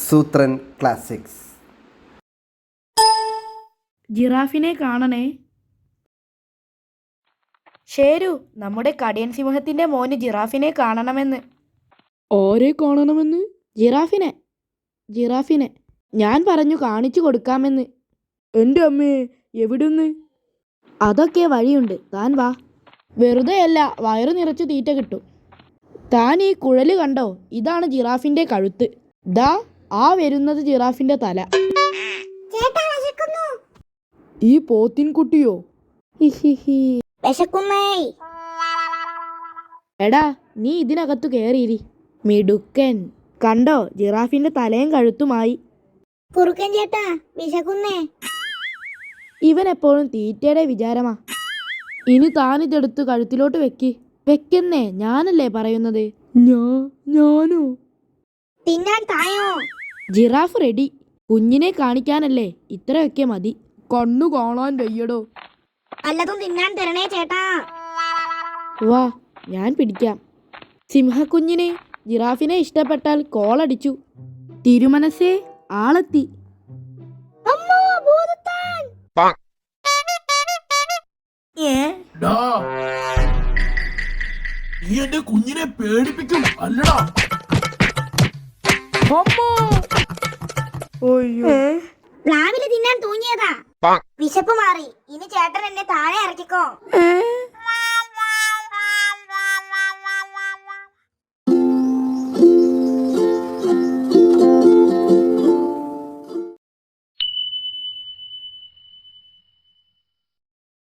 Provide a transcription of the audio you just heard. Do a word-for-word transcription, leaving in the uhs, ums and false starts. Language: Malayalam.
സൂത്രൻ ക്ലാസിക്സ്. ജിറാഫിനെ കാണണേ. ശരു, നമ്മുടെ കടിയൻ സിംഹത്തിന്റെ മോന് ജിറാഫിനെ കാണണമെന്ന്. ആരെ കാണണമെന്ന്? ജിറാഫിനെ ജിറാഫിനെ ഞാൻ പറഞ്ഞു കാണിച്ചു കൊടുക്കാമെന്ന്. എൻ്റെ അമ്മേ, എവിടുന്ന്? അതൊക്കെ വഴിയുണ്ട്, താൻ വാ. വെറുതെയല്ല, വയറു നിറച്ചു തീറ്റ കിട്ടും. താൻ ഈ കുഴല് കണ്ടോ? ഇതാണ് ജിറാഫിന്റെ കഴുത്ത്. ദാ ആ വരുന്നത് ജിറാഫിന്റെ തല. ഈ പോത്തിൻകുട്ടിയോ? എടാ, നീ ഇതിനകത്തു കയറിയിരി. മിടുക്കൻ. കണ്ടോ, ജിറാഫിന്റെ തലയും കഴുത്തുമായി. കുറുക്കൻ ചേട്ടാ, വിശക്കുന്നേ. ഇവൻ എപ്പോഴും തീറ്റയുടെ വിചാരമാ. ഇനി താനിതെടുത്ത് കഴുത്തിലോട്ട് വെക്ക്. വെക്കുന്നേ, ഞാനല്ലേ പറയുന്നത്. ഞാ ഞാനോ? തിന്നാൻ തായോ? Giraffe ready. കുഞ്ഞിനെ കാണിക്കാനല്ലേ, ഇത്രയൊക്കെ മതി. കണ്ണു കാണാൻ വയ്യടോ. വല്ലതും തിന്നാൻ തരണേ ചേട്ടാ. വാ, ഞാൻ പിടിക്കാം. സിംഹക്കുഞ്ഞിനെ ജിറാഫിനെ ഇഷ്ടപ്പെട്ടാൽ കോളടിച്ചു. തിരുമനസേ, ആളെത്തി. എന്റെ കുഞ്ഞിനെ പേടിപ്പിക്കും അല്ലടാ. പ്ലാവില് തിന്നാൻ തൂങ്ങിയതാ. വിശപ്പ് മാറി. ഇനി ചേട്ടൻ എന്നെ താഴെ ഇറക്കിക്കോ.